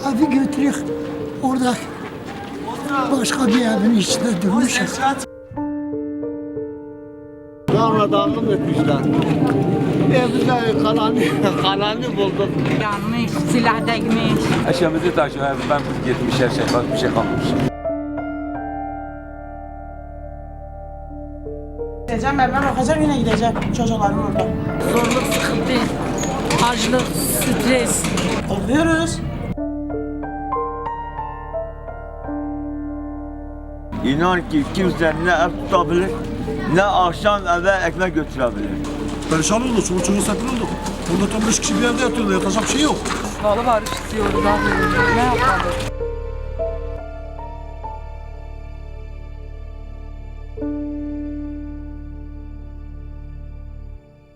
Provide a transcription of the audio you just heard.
Evi götürük orada başka bir evin içinde durmuşuz. Darmadağınlık etmişler. Evde kalanı bulduk. Yanmış, silah değmiş. Eşyamızı taşıyor. Ben gitmiş her şey. Bak bir şey kalmamış. Gideceğim, evime bakacağım, yine gideceğim çocuklarım orada. Zorluk, sıkıntı, açlık, stres. Oluyoruz. İnan ki kimse ne ev tutabilir, ne akşam eve ekmek götürebilir. Perişan oldu, çoluk çocuğu sakın oldu. Burada tam 5 kişi bir evde yatıyorlar, yatacak bir şey yok. Vallahi barış istiyoruz abi. Ne yapalım?